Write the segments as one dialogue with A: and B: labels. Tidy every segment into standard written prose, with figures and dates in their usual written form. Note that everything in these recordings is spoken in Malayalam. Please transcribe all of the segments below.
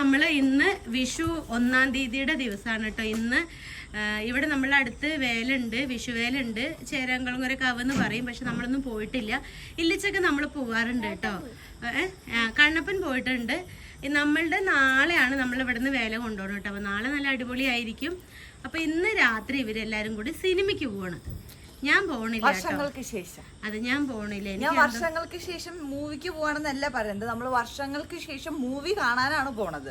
A: നമ്മള് ഇന്ന് വിഷു 1-ാം തീയതിയുടെ ദിവസമാണ് കേട്ടോ. ഇന്ന് ഇവിടെ നമ്മളെ അടുത്ത് വേലുണ്ട്, വിഷുവേലുണ്ട്, ചേരാങ്കുളങ്ങര കവെന്ന് പറയും. പക്ഷെ നമ്മളൊന്നും പോയിട്ടില്ല. ഇല്ലിച്ചൊക്കെ നമ്മൾ പോവാറുണ്ട് കേട്ടോ. കണ്ണപ്പൻ പോയിട്ടുണ്ട്. നമ്മളുടെ നാളെയാണ് നമ്മൾ ഇവിടുന്ന് വേല കൊണ്ടുപോകണം കേട്ടോ. അപ്പോൾ നാളെ നല്ല അടിപൊളിയായിരിക്കും. അപ്പോൾ ഇന്ന് രാത്രി ഇവരെല്ലാരും കൂടി സിനിമയ്ക്ക് പോവാണ്. ഞാൻ പോണില്ല,
B: വർഷങ്ങൾക്ക് ശേഷം.
A: അത് ഞാൻ പോണില്ല.
B: ഞാൻ വർഷങ്ങൾക്ക് ശേഷം മൂവിക്ക് പോവാണെന്നല്ല പറയുന്നത്, നമ്മൾ വർഷങ്ങൾക്ക് ശേഷം മൂവി കാണാനാണ് പോണത്.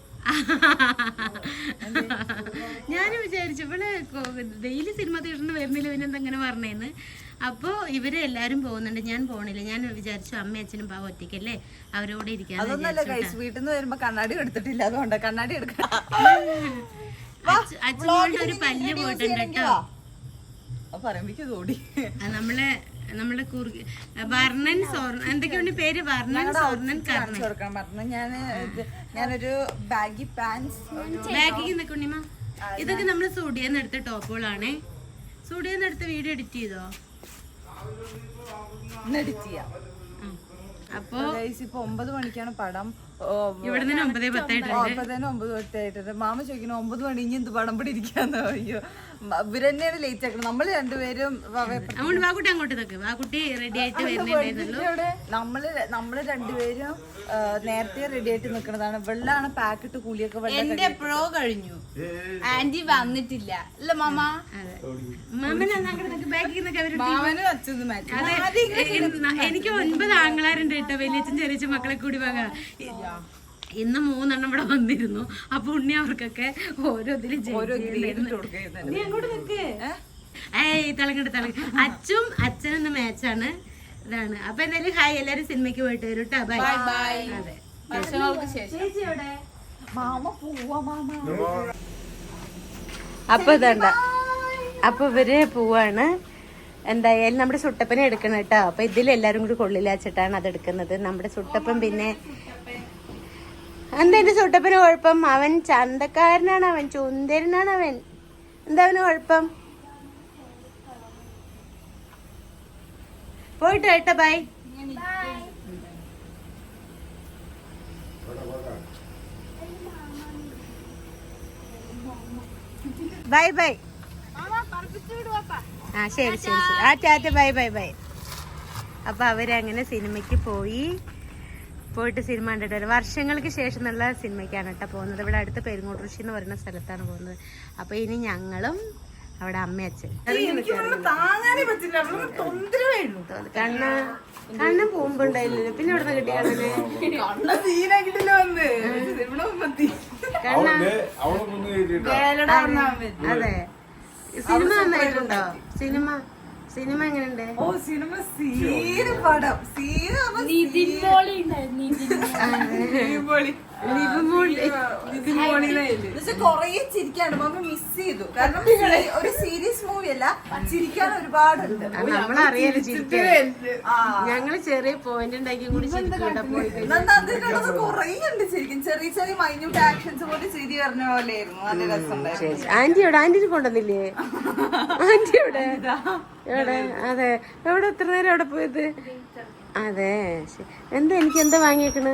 A: ഞാൻ വിചാരിച്ചു ഇവിടെ ഡെയിലി സിനിമ തിയേറ്ററിന് വരുന്നില്ല, പിന്നെ എന്തെങ്ങനെ പറഞ്ഞേന്ന്. അപ്പൊ ഇവര് എല്ലാരും പോകുന്നുണ്ട്, ഞാൻ പോണില്ല. ഞാൻ വിചാരിച്ചു അമ്മയും അച്ഛനും പാവം ഒറ്റയ്ക്കല്ലേ, അവരോട് ഇരിക്കാൻ.
B: അതൊന്നല്ല ഗൈസ്, വീട്ടിൽ നിന്ന് വരുമ്പോ കണ്ണാടി എടുത്തിട്ടില്ല, അതുകൊണ്ട് കണ്ണാടി എടുക്കണം.
A: അച്ഛനോട് ഒരു പല്ല് പോയിട്ടുണ്ട് കേട്ടോ. നമ്മളെ വർണ്ണൻ എന്തൊക്കെയാണ് പേര്? വർണ്ണൻ, സ്വർണ്ണൻ, കർണൻ.
B: ഞാനൊരു ബാഗി പാൻസ്,
A: ബാഗിക്ക് നിൽക്കുണ്ണിമ. ഇതൊക്കെ നമ്മള് സ്റ്റുഡിയോന്ന് എടുത്ത ടോപ്പുകളാണേ. സ്റ്റുഡിയോന്ന് എടുത്ത വീഡിയോ എഡിറ്റ് ചെയ്തോ? അപ്പൊ
B: ഇപ്പൊ 9 മണിക്കാണ് പടം.
A: ഇവിടെ നിന്ന് 9:10
B: 9:10 മാമ ചോദിക്കണം 9 മണി ഇനി എന്ത് പടം പിടി ഇരിക്കാന്നോ. അയ്യോ, ഇവരെന്നെയാണ് ലേറ്റ് ആക്കണം. നമ്മള് രണ്ടുപേരും
A: അങ്ങോട്ട് നിൽക്ക്. വാക്കുട്ടി റെഡി ആയിട്ട് വരുന്നുണ്ടായിരുന്നല്ലോ.
B: നമ്മള് രണ്ടുപേരും നേരത്തെ റെഡി ആയിട്ട് നിക്കണതാണ്. വെള്ളമാണ് പാക്കിട്ട് കൂലിയൊക്കെ.
C: എന്റെ എപ്പോഴോ കഴിഞ്ഞു, ആന്റി വന്നിട്ടില്ല അല്ല മാമ.
A: എനിക്ക് 9 ആങ്ങളാരുണ്ട് കേട്ടോ, വലിയച്ഛൻ ചെറിയ മക്കളെ കൂടി വാങ്ങാ. ഇന്ന് 3 എണ്ണം ഇവിടെ വന്നിരുന്നു. അപ്പൊ ഉണ്ണി അവർക്കൊക്കെ ഓരോ ഇതിലും അങ്ങോട്ട് നിക്ക്. തിളങ്ങട്ട് അച്ഛനൊന്ന് മാച്ചാണ്. ഇതാണ്. അപ്പൊ എന്തായാലും ഹായ്, എല്ലാരും സിനിമയ്ക്ക് പോയിട്ട് വരും കേട്ടോ. Bye bye. അതെ, അപ്പൊ ഇതണ്ട. അപ്പൊ ഇവര് പോവാണ്. എന്തായാലും നമ്മുടെ സുട്ടപ്പനെ എടുക്കണം കേട്ടോ. അപ്പൊ ഇതിൽ എല്ലാരും കൂടി കൊള്ളില്ലാച്ചിട്ടാണ് അത് എടുക്കുന്നത്. നമ്മുടെ സുട്ടപ്പൻ പിന്നെ എന്താ എന്റെ സുട്ടപ്പന് കുഴപ്പം? അവൻ ചന്തക്കാരനാണ്, അവൻ ചുന്ദരനാണ് അവൻ. എന്താ അവന് കുഴപ്പം? പോയിട്ട് കേട്ടോ. ബൈ. Bye bye. ആ ശരി ശരി ശരി. ആ ടാറ്റ, ബൈ ബൈ ബൈ. അപ്പൊ അവരങ്ങനെ സിനിമയ്ക്ക് പോയിട്ട് സിനിമ കണ്ടിട്ട് വരും. വർഷങ്ങൾക്ക് ശേഷം എന്നുള്ള സിനിമയ്ക്കാണ് കേട്ടോ പോകുന്നത്. ഇവിടെ അടുത്ത് പെരുങ്ങോട്ടുരുശി എന്ന് പറയുന്ന സ്ഥലത്താണ് പോകുന്നത്. അപ്പൊ ഇനി ഞങ്ങളും അവിടെ അമ്മ അച്ഛൻ കണ്ണൻ പോകുമ്പോണ്ടായില്ലല്ലോ. പിന്നെ ഇവിടെ നിന്ന് കിട്ടിയാണല്ലേ അതെ. സിനിമ നന്നായിട്ടുണ്ടോ? സിനിമ എങ്ങനെയുണ്ട്?
B: കൊറേ ചിരിക്കാണ്ട് മിസ് ചെയ്തു. കാരണം ഒരു സീരിയസ് മൂവി അല്ല, ചിരിക്കാൻ ഒരുപാടുണ്ട്.
A: നമ്മളറിയാലോ ചിരിക്കാൻ. ഞങ്ങള് ചെറിയ പോയിന്റ് ഉണ്ടാക്കി കൂടി
B: കൊറേ ഉണ്ട് ചിരിക്കും. ചെറിയ ചെറിയ മൈന്യൂട്ട് ആക്ഷൻസ് പോലെ ചിരി പറഞ്ഞ പോലെയായിരുന്നു. നല്ല രസമുണ്ടായിരുന്നു.
A: ആന്റിയോട് കൊണ്ടുവന്നില്ലേ? ആന്റിയോടെ എവിടെ? അതെ, എവിടെ? എത്ര നേരം അവിടെ പോയത്? അതെ. എന്താ എനിക്ക് എന്താ വാങ്ങിയേക്കണ്?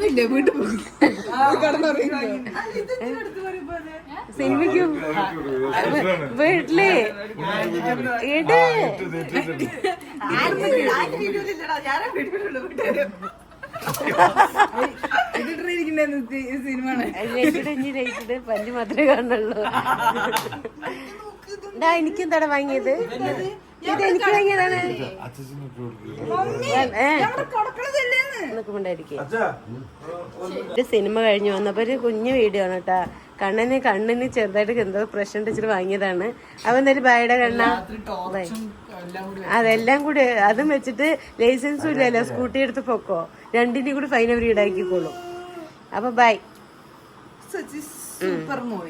A: സിനിമയ്ക്ക് വീട്ടില് പല്ല് മാത്രമേ കാണുള്ളൂ. എനിക്കെന്താടാ വാങ്ങിയത്? ഇത് എനിക്ക് വാങ്ങിയതാണ്. സിനിമ കഴിഞ്ഞു വന്നപ്പോ ഒരു കുഞ്ഞു വീഡിയോ ആണ് കേട്ടാ. കണ്ണിന് ചെറുതായിട്ട് എന്തോ പ്രശ്നം വെച്ചിട്ട് വാങ്ങിയതാണ്. അപ്പൊ എന്തായാലും ബായുടെ കണ്ണ അതെല്ലാം കൂടി അതും വെച്ചിട്ട് ലൈസൻസും ഇല്ലല്ലോ, സ്കൂട്ടി എടുത്ത് പൊക്കോ. രണ്ടിനെയും കൂടി ഫൈൻ അവർ ഈടാക്കിക്കോളും. അപ്പൊ ബൈ.
B: Super movie.